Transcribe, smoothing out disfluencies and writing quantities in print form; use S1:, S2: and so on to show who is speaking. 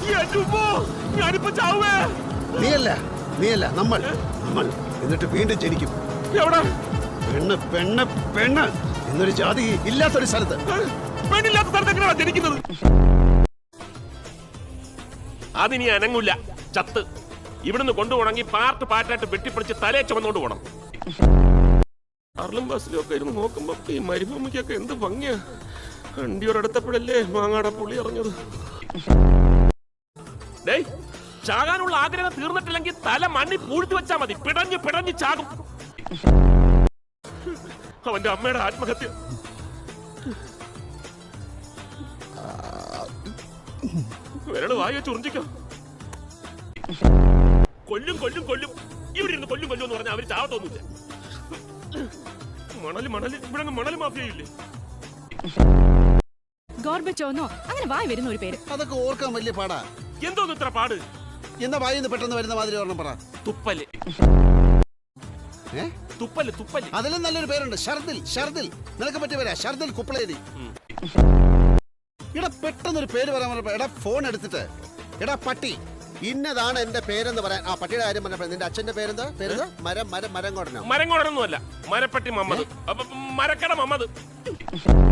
S1: ഞാനിപ്പോ ചാവേ.
S2: നീയല്ല നമ്മൾ എന്നിട്ട് വീണ്ടും ജനിക്കും.
S1: എവിടെ?
S2: പെണ്ണ് പെണ്ണ് പെണ്ണ് എന്നൊരു ജാതി ഇല്ലാത്തൊരു സ്ഥലത്ത്.
S1: പെണ്ണില്ലാത്ത സ്ഥലത്ത് എങ്ങനെയാ ജനിക്കുന്നത്? അതിനി അനങ്ങൂല. ചത്ത് ഇവിടുന്ന് കൊണ്ടുപോകണമെങ്കിൽ പാർട്ടായിട്ട് വെട്ടിപ്പിടിച്ച് തലയെ ചുമന്നുകൊണ്ട് പോകണം. കാറിലും ബസ്സിലും ഒക്കെ ഇരുന്ന് നോക്കുമ്പോ ഈ മരുഭൂമിക്കൊക്കെ എന്ത് ഭംഗിയാ. വണ്ടിയോടടുത്തപ്പോഴല്ലേ മാങ്ങാട പുളി ഇറങ്ങത്. ഡേയ്, ചാകാനുള്ള ആഗ്രഹം തീർന്നിട്ടില്ലെങ്കിൽ തല മണ്ണി പൂഴ്ത്തി വെച്ചാ മതി. പിടഞ്ഞ് ചാകും. അവന്റെ അമ്മയുടെ ആത്മഹത്യ. വിരള് വായ ചുറിഞ്ചിക്കോ. കൊല്ലും ഇവിടെ ഇരുന്ന് കൊല്ലും എന്ന് പറഞ്ഞാൽ അവര് ചാവത്തൊന്നുമില്ല. മണല് ഇവിടെ മണല് മാഫിയയില്ലേ?
S3: ഗോർബച്ചോന്നോ അങ്ങനെ വായി വരുന്ന ഒരു പേര്.
S2: അതൊക്കെ ഓർക്കാൻ വലിയ പാടാ.
S1: എന്തോന്ന് ഇത്ര പാട്?
S2: എന്താ വായിന്ന് പെട്ടെന്ന് വരുന്ന മാതിരി ഓർമ്മ പറ.
S1: തുപ്പല്. തുപ്പല്.
S2: അതിലും നല്ലൊരു പേരുണ്ട്, ഷർദിൽ. നിനക്ക് പറ്റിയ പേരാ ഷർദിൽ കുപ്പളേരി. എടാ പെട്ടെന്നൊരു പേര് പറയാൻ പറഞ്ഞപ്പോ എടാ ഫോൺ എടുത്തിട്ട് എടാ പട്ടി ഇന്നതാണ് എന്റെ പേരെന്ന് പറയാൻ. ആ പട്ടിയുടെ കാര്യം പറഞ്ഞപ്പോ നിന്റെ അച്ഛന്റെ പേരെന്താ? മരംകോടനോ?
S1: മരംകോടനൊന്നുമല്ല, മരപ്പട്ടി മമ്മദ്. മരക്കട മമ്മദ്.